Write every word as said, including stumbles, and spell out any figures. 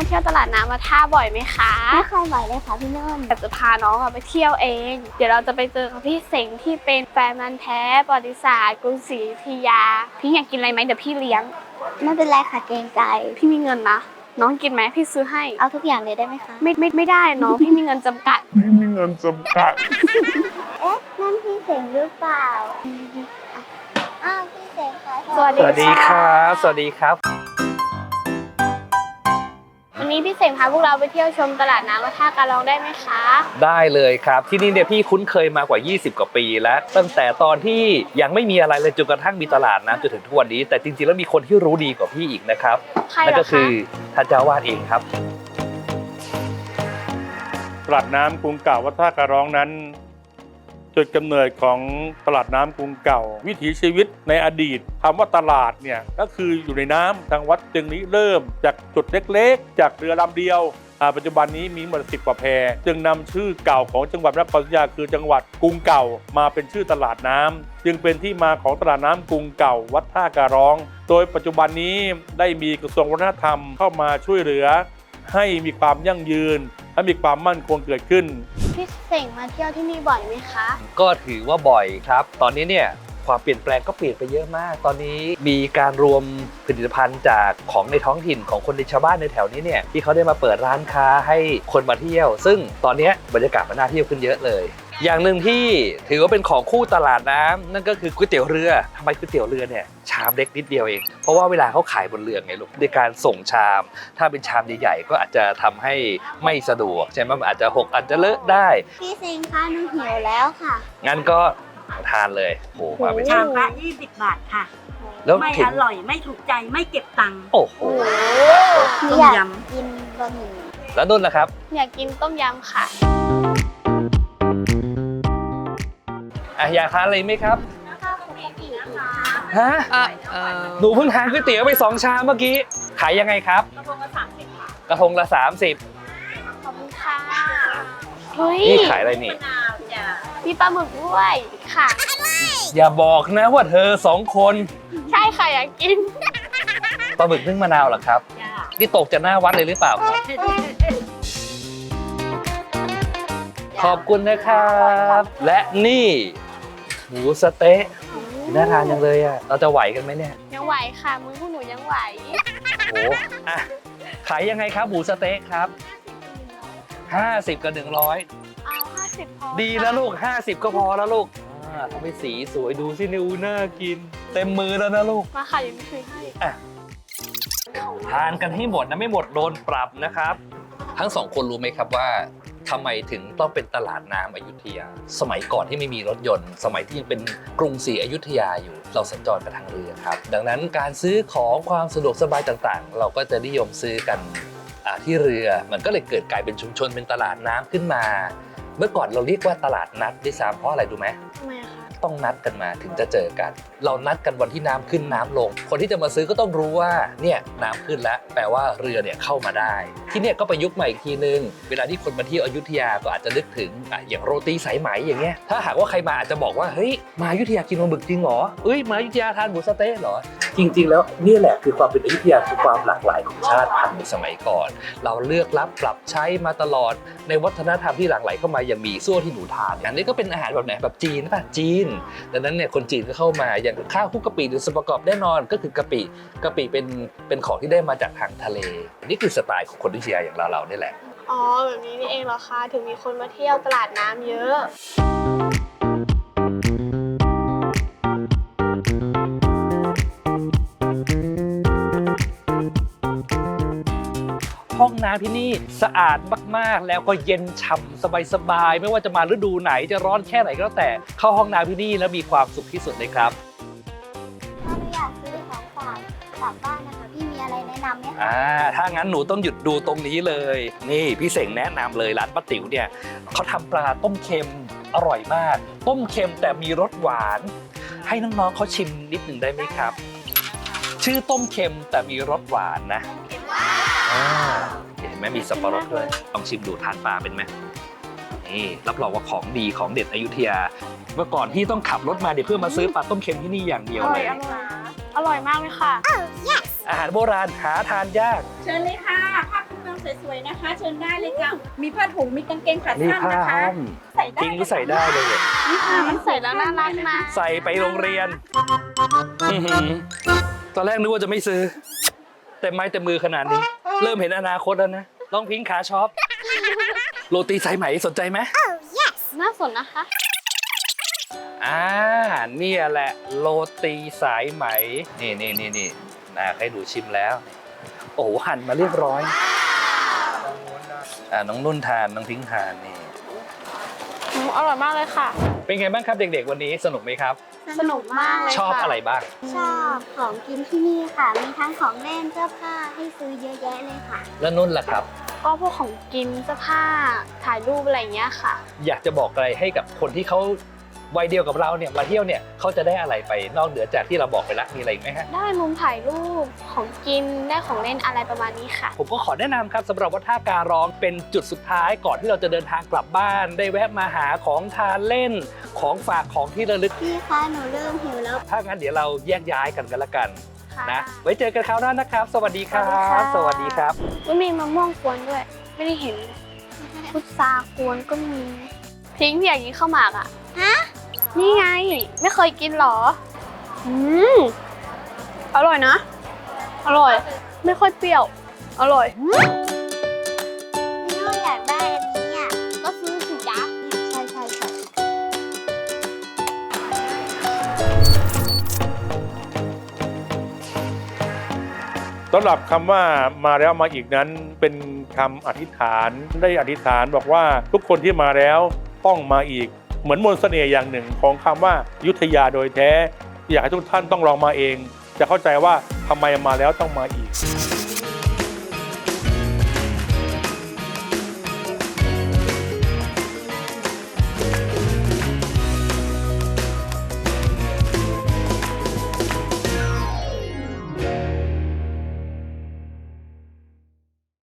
เที่ยวตลาดน้ำวัดท่าบ่อยไหมคะไม่ค่อยบ่อยเลยค่ะพี่นุ่นแต่จะพาน้องไปเที่ยวเองเดี๋ยวเราจะไปเจอกับพี่เสงที่เป็นแฟนมันธุ์แท้ประวัติศาสตร์กรุงศรีอยุธยาพี่อยากกินอะไรไหมเดี๋ยวพี่เลี้ยงไม่เป็นไรค่ะเกรงใจพี่มีเงินนะน้องกินไหมพี่ซื้อให้เอาทุกอย่างเลยได้ไหมคะไม่ไม่ไม่ได้น้องพี่มีเงินจำกัดพี่มีเงินจำกัดเอ๊ะนั่นพี่เสงหรือเปล่าอ้าวพี่เสงค่ะสวัสดีครับสวัสดีครับวันนี้พี่เสงพาพวกเราไปเที่ยวชมตลาดน้ำวัดท่าการร้องได้ไหมคะได้เลยครับที่นี่เนี่ยพี่คุ้นเคยมากว่ายี่สิบกว่าปีแล้วตั้งแต่ตอนที่ยังไม่มีอะไรเลยจนกระทั่งมีตลาดน้ำจนถึงทุกวันนี้แต่จริงๆแล้วมีคนที่รู้ดีกว่าพี่อีกนะครับนั่นก็คือท่านเจ้าวาดเองครับตลาดน้ำกรุงเก่าวัดท่าการร้องนั้นจุดกำเนิดของตลาดน้ำกรุงเก่าวิถีชีวิตในอดีตคำว่าตลาดเนี่ยก็คืออยู่ในน้ำทางวัดจึงนี้เริ่มจากจุดเล็กๆจากเรือลำเดียวปัจจุบันนี้มีหมดสิบกว่าแพจึงนำชื่อเก่าของจังหวัดนครศรีอยุธยาคือจังหวัดกรุงเก่ามาเป็นชื่อตลาดน้ำจึงเป็นที่มาของตลาดน้ำกรุงเก่าวัดท่าการร้องโดยปัจจุบันนี้ได้มีกระทรวงวัฒนธรรมเข้ามาช่วยเหลือให้มีความยั่งยืนและมีความมั่นคงเกิดขึ้นพี่เสงมาเที่ยวที่นี่บ่อยไหมคะก็ถือว่าบ่อยครับตอนนี้เนี่ยความเปลี่ยนแปลงก็เปลี่ยนไปเยอะมากตอนนี้มีการรวมผลิตภัณฑ์จากของในท้องถิ่นของคนในชาวบ้านในแถวนี้เนี่ยที่เขาได้มาเปิดร้านค้าให้คนมาเที่ยวซึ่งตอนนี้บรรยากาศมันน่าเที่ยวขึ้นเยอะเลยอย่างหนึ่งที่ถือว่าเป็นของคู่ตลาดน้ำนั่นก็คือก๋วยเตี๋ยวเรือทำไมก๋วยเตี๋ยวเรือเนี่ยชามเล็กนิดเดียวเองเพราะว่าเวลาเขาขายบนเรือไงลูกในการส่งชามถ้าเป็นชามใหญ่ๆก็อาจจะทำให้ไม่สะดวกใช่ไหมมันอาจจะหกอาจจะเลอะได้พี่เซงคะหนูหิวแล้วค่ะงั้นก็ทานเลยโอ้มาเป็นชามละยี่สิบบาทค่ะแล้วไม่อร่อยไม่ถูกใจไม่เก็บตังค์โอ้โหต้มยำกินบะหมี่แล้วนุ่นล่ะครับอยากกินต้มยำค่ะอ่ะอยากทานอะไรไหมครับฮะหนูเพิ่งทานก๋วยเตี๋ยวไปสองชามเมื่อกี้ขายยังไงครับกระทงละสามสิบค่ะกระทงละสามสิบขอบคุณค่ะเฮ้ยนี่ขายอะไรนี่มีปลาหมึกด้วยค่ะอย่าบอกนะว่าเธอสองคนใช่ค่ะอยากกินปลาหมึกนึ่งมะนาวเหรอครับนี่ตกจากหน้าวัดเลยหรือเปล่าครับขอบคุณนะครับและนี่หมูสเต๊ะน่าทานจังเลยอ่ะเราจะไหวกันไหมเนี่ยยังไหวค่ะมือพวกหนูยังไหวโอ้อะขายยังไงครับหมูสเต๊ะครับห้าสิบกับหนึ่งร้อยเอาห้าสิบพอดีนะลูกห้าสิบก็พอแล้วลูกทำให้สีสวยดูสินิวน่ากินเต็มมือแล้วนะลูกมาค่ะยังไม่เคยให้อ่ะทานกันให้หมดนะไม่หมดโดนปรับนะครับทั้งสองคนรู้ไหมครับว่าทำไมถึงต้องเป็นตลาดน้ำอยุธยาสมัยก่อนที่ไม่มีรถยนต์สมัยที่ยังเป็นกรุงศรีอยุธยาอยู่เราสัญจรกันทางเรือครับดังนั้นการซื้อของความสะดวกสบายต่างๆเราก็จะนิยมซื้อกันที่เรือมันก็เลยเกิดกลายเป็นชุมชนเป็นตลาดน้ำขึ้นมาเมื่อก่อนเราเรียกว่าตลาดนัดด้วยซ้ำเพราะอะไรดูไหมทำไมคะต้องนัดกันมาถึงจะเจอกันเรานัดกันวันที่น้ำขึ้นน้ำลงคนที่จะมาซื้อก็ต้องรู้ว่าเนี่ยน้ำขึ้นแล้วแปลว่าเรือเนี่ยเข้ามาได้ที่เนี่ยก็ประยุกต์ใหม่อีกทีนึงเวลาที่คนมาเที่ยวอยุธยาก็อาจจะนึกถึงอ่ะอย่างโรตีสายไหมอย่างเงี้ยถ้าหากว่าใครมาอาจจะบอกว่าเฮ้ยมาอยุธยากินปลาหมึกจริงเหรอเอ้ยมาอยุธยาทานหมูสเต๊ะเหรอจริงๆแล้วนี่แหละคือความเป็นอยุธยาคือความหลากหลายของชาติพันธุ์ในสมัยก่อนเราเลือกรับปรับใช้มาตลอดในวัฒนธรรมที่หลั่งไหลเข้ามายังมีซั่วที่หนูทานอันนี้ก็เป็นอาหารแบบไหนแบบจีนป่ะจีนดังนั้นเนี่ยคนจีนก็เข้ามาอย่างข้าวคลุกกะปิหรือส่วนประกอบแน่นอนก็คือกะปิกะปิเป็นเป็นของที่ได้มาจากทางทะเลนี่คือสไตล์ของคนอยุธยาอย่างเราเรานี่แหละอ๋อแบบนี้นี่เองเหรอคะถึงมีคนมาเที่ยวตลาดน้ำเยอะห้องน้ำที่นี่สะอาดมากๆแล้วก็เย็นฉ่ำสบายๆไม่ว่าจะมาฤดูไหนจะร้อนแค่ไหนก็แล้วแต่เข้าห้องน้ำที่นี่แล้วมีความสุขที่สุดเลยครับถ้าไม่อยากซื้อของฝากกลับบ้านนะคะพี่มีอะไรแนะนำไหมคะอ่าถ้างั้นหนูต้องหยุดดูตรงนี้เลยนี่พี่เสงแนะนำเลยร้านป้าติ๋วเนี่ยเขาทำปลาต้มเค็มอร่อยมากต้มเค็มแต่มีรสหวานให้น้องๆเขาชิมนิดหนึ่งได้ไหมครับชื่อต้มเค็มแต่มีรสหวานนะเห็นไหมมีสับปะรดด้วยลองชิมดูทานปลาเป็นไหมนี่รับรองว่าของดีของเด็ดอยุธยาเมื่อก่อนพี่ต้องขับรถมาเดี๋ยวเพื่อมาซื้อปลาต้มเค็มที่นี่อย่างเดียวเลยอร่อยมากเลยค่ะอาหารโบราณหาทานยากเชิญเลยค่ะภาพคุณสวยๆนะคะ เชิญได้เลยค่ะ มีผ้าถุงมีกางเกงขานี่สั้นผ้านะคะห้อมใส่ได้จริงก็ใส่ได้เลยเนี่ยนี่ค่ะมันใส่แล้วน่ารักนะใส่ไปโรงเรียนอื้อหือตอนแรกนึกว่าจะไม่ซื้อ แต่ไม้แต่มือขนาดนี้ เริ่มเห็นอนาคตแล้วนะลองพิงค์ขาช็อปโรตีสายไหมสนใจไหมน่าสนนะคะอ่าเนี่ยแหละโรตีสายไหม นี่นี่นี่นี่นะให้ดูชิมแล้ว โอ้โหหั่นมาเรียบร้อย อ่าน้องนุ่นทานน้องพิงค์ทานนี่อืมอร่อยมากเลยค่ะเป็นไงบ้างครับเด็กๆวันนี้สนุกไหมครับสนุกมากเลยชอบค่ะอะไรบ้างชอบของกินที่นี่ค่ะ มีทั้งของเล่นเสื้อผ้าให้ซื้อเยอะแยะเลยค่ะแล้วนุ่นล่ะครับก็พวกของกินเสื้อผ้าถ่ายรูปอะไรอย่างเงี้ยค่ะอยากจะบอกอะไรให้กับคนที่เขาวัยเดียวกับเราเนี่ยมาเที่ยวเนี่ยเขาจะได้อะไรไปนอกเหนือจากที่เราบอกไปแล้วมีอะไรอีกไหมฮะได้มุมถ่ายรูปของกินได้ของเล่นอะไรประมาณนี้ค่ะผมก็ขอแนะนำครับสำหรับวัดท่าการร้องเป็นจุดสุดท้ายก่อนที่เราจะเดินทางกลับบ้าน ได้แวะมาหาของทานเล่นของฝากของที่ระลึกพี่คะหนูเริ่มหิวแล้วถ้างั้นเดี๋ยวเราแยกย้ายกันกันละกันค่ะนะไว้เจอกันคราวหน้านะครับ สวัสดีครับ สวัสดีครับมันมีมะม่วงกวนด้วย ไม่ได้เห็นพุทรากวนก็มีพิงค์พี่อยากกินข้าวหมากอ่ะฮะนี่ไง ไม่เคยกินหรอ อืมอร่อยนะ อร่อย ไม่ค่อยเปรี้ยว อร่อยพี่นุ่นอยากได้อันนี้อ่ะก็ซื้อสิจ๊ะใช่ใช่ใช่สำหรับคำว่ามาแล้วมาอีกนั้นเป็นคำอธิษฐานได้อธิษฐานบอกว่าทุกคนที่มาแล้วต้องมาอีกเหมือนมนต์เสน่ห์อย่างหนึ่งของคำว่าอยุธยาโดยแท้ อยากให้ทุกท่านต้องลองมาเอง จะเข้าใจว่าทำไมมาแล้วต้องมาอีก